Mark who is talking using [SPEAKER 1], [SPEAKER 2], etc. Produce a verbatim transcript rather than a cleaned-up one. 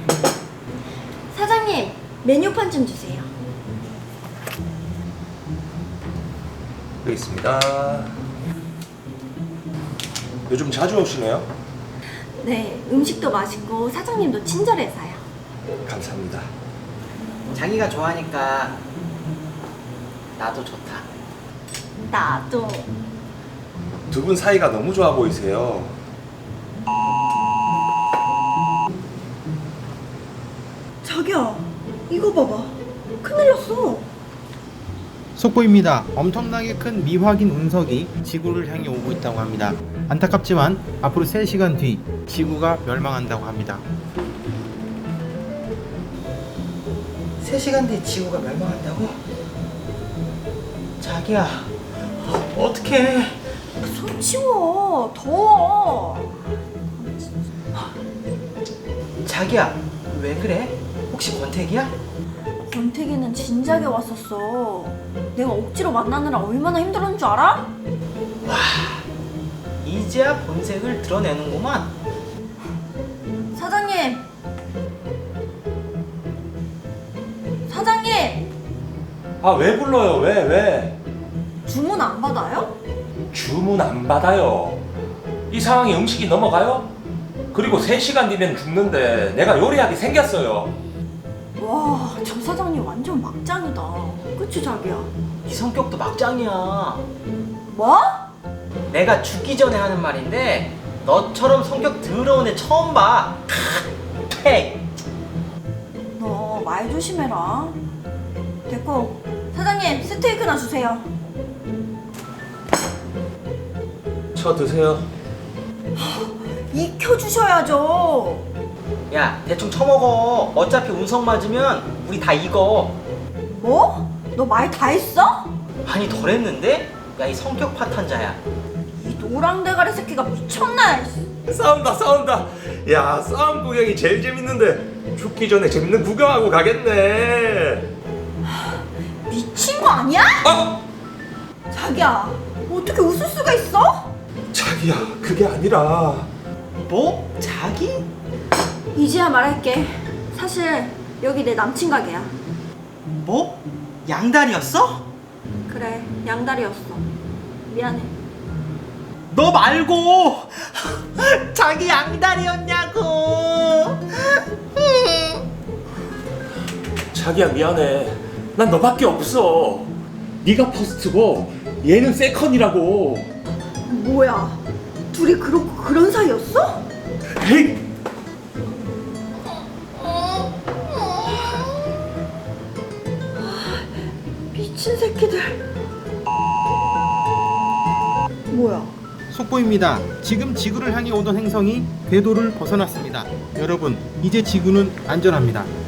[SPEAKER 1] 사장님, 메뉴판 좀 주세요.
[SPEAKER 2] 여기 있습니다. 요즘 자주 오시네요?
[SPEAKER 1] 네, 음식도 맛있고 사장님도 친절해서요.
[SPEAKER 2] 감사합니다.
[SPEAKER 3] 자기가 좋아하니까 나도 좋다.
[SPEAKER 1] 나도.
[SPEAKER 2] 두 분 사이가 너무 좋아 보이세요.
[SPEAKER 1] 자기야, 이거 봐봐. 큰일 났어.
[SPEAKER 4] 속보입니다. 엄청나게 큰 미확인 운석이 지구를 향해 오고 있다고 합니다. 안타깝지만 앞으로 세 시간 뒤 지구가 멸망한다고 합니다.
[SPEAKER 3] 세 시간 뒤에 지구가 멸망한다고? 자기야, 어떡해.
[SPEAKER 1] 손 치워. 더워.
[SPEAKER 3] 자기야, 왜 그래? 혹시 권태기야?
[SPEAKER 1] 권태기는 진작에 왔었어. 내가 억지로 만나느라 얼마나 힘들었는 줄 알아?
[SPEAKER 3] 이제야 본색을 드러내는구만.
[SPEAKER 1] 사장님. 사장님,
[SPEAKER 2] 아, 왜 불러요? 왜, 왜?
[SPEAKER 1] 주문 안 받아요?
[SPEAKER 2] 주문 안 받아요. 이 상황에 음식이 넘어가요? 그리고 세 시간 뒤면 죽는데 내가 요리하게 생겼어요.
[SPEAKER 1] 와, 저 사장님 완전 막장이다. 그치, 자기야?
[SPEAKER 3] 이 성격도 막장이야.
[SPEAKER 1] 뭐?
[SPEAKER 3] 내가 죽기 전에 하는 말인데 너처럼 성격 더러운 애 처음 봐. 팩.
[SPEAKER 1] 너 말 조심해라. 됐고, 사장님 스테이크나 주세요.
[SPEAKER 2] 저 드세요.
[SPEAKER 1] 익혀주셔야죠.
[SPEAKER 3] 야, 대충 처먹어. 어차피 운석 맞으면 우리 다 익어.
[SPEAKER 1] 뭐? 너 말 다 했어?
[SPEAKER 3] 아니, 덜했는데? 야, 이 성격 파탄자야.
[SPEAKER 1] 이 노랑 대가리 새끼가 미쳤나?
[SPEAKER 2] 싸운다, 싸운다. 야, 싸움 구경이 제일 재밌는데 죽기 전에 재밌는 구경하고 가겠네.
[SPEAKER 1] 미친 거 아니야?
[SPEAKER 2] 아!
[SPEAKER 1] 자기야, 어떻게 웃을 수가 있어?
[SPEAKER 2] 자기야, 그게 아니라.
[SPEAKER 3] 뭐? 자기?
[SPEAKER 1] 이제야 말할게. 사실 여기 내 남친 가게야.
[SPEAKER 3] 뭐? 양다리였어?
[SPEAKER 1] 그래, 양다리였어. 미안해.
[SPEAKER 3] 너 말고 자기 양다리였냐고.
[SPEAKER 2] 자기야, 미안해. 난 너밖에 없어. 네가 퍼스트고 얘는 세컨이라고.
[SPEAKER 1] 뭐야? 둘이 그렇고 그런 사이였어?
[SPEAKER 2] 에이!
[SPEAKER 1] 미친 새끼들. 뭐야?
[SPEAKER 4] 속보입니다. 지금 지구를 향해 오던 행성이 궤도를 벗어났습니다. 여러분, 이제 지구는 안전합니다.